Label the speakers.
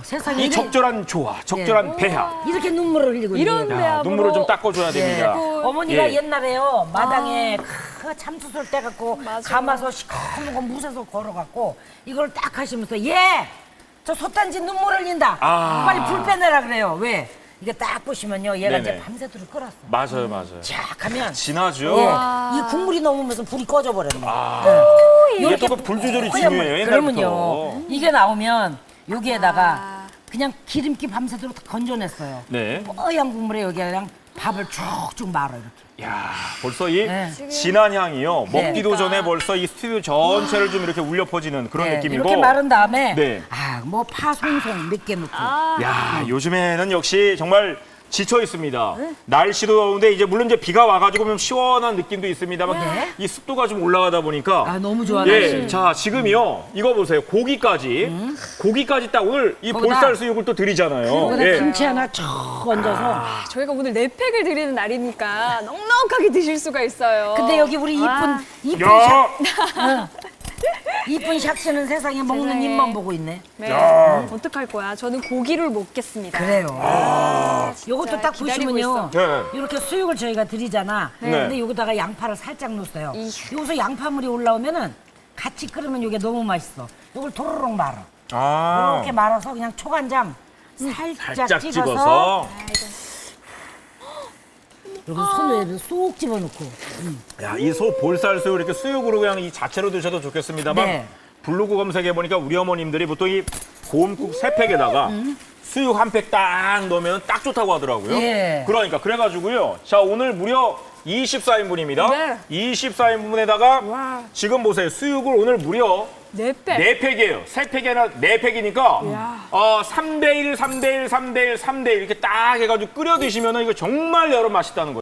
Speaker 1: 세상에
Speaker 2: 이 적절한 조화, 적절한 배합.
Speaker 1: 이렇게 눈물을 흘리고
Speaker 3: 이런
Speaker 1: 있네요.
Speaker 3: 배합.
Speaker 2: 눈물을 좀 닦아줘야 됩니다.
Speaker 1: 어머니가
Speaker 2: 예.
Speaker 1: 옛날에요 마당에 참수술 떼갖고
Speaker 3: 맞아.
Speaker 1: 감아서 시커먼 거 무쇠서 걸어갖고 이걸 딱 하시면서 예! 저 솥단지 눈물 흘린다. 빨리 불 빼내라 그래요. 왜? 이게 딱 보시면요 얘가
Speaker 2: 네네.
Speaker 1: 이제 밤새도록 끓었어.
Speaker 2: 맞아요, 맞아요.
Speaker 1: 쫙 하면
Speaker 2: 진하죠?
Speaker 1: 예, 이 국물이 넘으면서 불이 꺼져버렸네.
Speaker 2: 이게 또 그 불 조절이 중요해요, 옛날부터.
Speaker 1: 그러면요 이게 나오면 여기에다가 그냥 기름기 밤새도록 다 건져냈어요.
Speaker 2: 네.
Speaker 1: 뽀얀 국물에 여기 그냥 밥을 쭉쭉 말아 이렇게.
Speaker 2: 야, 벌써 이
Speaker 1: 네.
Speaker 2: 진한 향이요.
Speaker 1: 네.
Speaker 2: 먹기도 전에 벌써 이 스튜디오 전체를 좀 이렇게 울려 퍼지는 그런
Speaker 1: 네,
Speaker 2: 느낌이고.
Speaker 1: 이렇게 마른 다음에
Speaker 2: 네.
Speaker 1: 뭐 파 송송 몇 개 넣고
Speaker 2: 야, 요즘에는 역시 정말 지쳐 있습니다. 날씨도 더운데 이제 물론 이제 비가 와가지고 좀 시원한 느낌도 있습니다만 이 습도가 좀 올라가다 보니까
Speaker 1: 아 너무 좋아.
Speaker 2: 예, 자 지금이요 이거 보세요 고기까지 딱 오늘 이
Speaker 1: 거기다
Speaker 2: 볼살 수육을 또 드리잖아요.
Speaker 1: 거기다
Speaker 2: 예.
Speaker 1: 김치 하나 쭉 얹어서.
Speaker 3: 저희가 오늘 4팩을 드리는 날이니까 넉넉하게 드실 수가 있어요.
Speaker 1: 근데 여기 우리
Speaker 3: 와.
Speaker 1: 이쁜
Speaker 2: 야,
Speaker 1: 이쁜 샥씨는 세상에 먹는
Speaker 3: 세상에.
Speaker 1: 입만 보고 있네.
Speaker 3: 네.
Speaker 2: 야.
Speaker 3: 어떡할 거야? 저는 고기를 먹겠습니다.
Speaker 1: 그래요. 요것도 딱
Speaker 3: 기다리고
Speaker 1: 보시면요.
Speaker 2: 네.
Speaker 1: 이렇게 수육을 저희가 드리잖아.
Speaker 2: 네.
Speaker 1: 근데 여기다가 양파를 살짝 넣었어요. 여기서 양파물이 올라오면은 같이 끓으면 이게 너무 맛있어. 이걸 도로록 말아.
Speaker 2: 아,
Speaker 1: 이렇게 말아서 그냥 초간장 살짝 찍어서
Speaker 2: 찍어서.
Speaker 1: 여기 손에 쏙 집어넣고.
Speaker 2: 야, 이 소 볼살 수육 이렇게 수육으로 그냥 이 자체로 드셔도 좋겠습니다만
Speaker 1: 네.
Speaker 2: 블로그 검색해 보니까 우리 어머님들이 보통 이 고음국 3팩에다가 수육 한 팩 딱 넣으면 딱 좋다고 하더라고요.
Speaker 1: 예.
Speaker 2: 그러니까 그래가지고요. 자 오늘 무려 24인분입니다.
Speaker 3: 네.
Speaker 2: 24인분에다가 지금 보세요. 수육을 오늘 무려
Speaker 3: 4팩.
Speaker 2: 4팩이에요. 3팩이 아니라 4팩이니까
Speaker 3: 이야.
Speaker 2: 3대1, 3대1, 3대1, 3대1 이렇게 딱 해가지고 끓여 드시면 이거 정말 여러 맛있다는 거예요.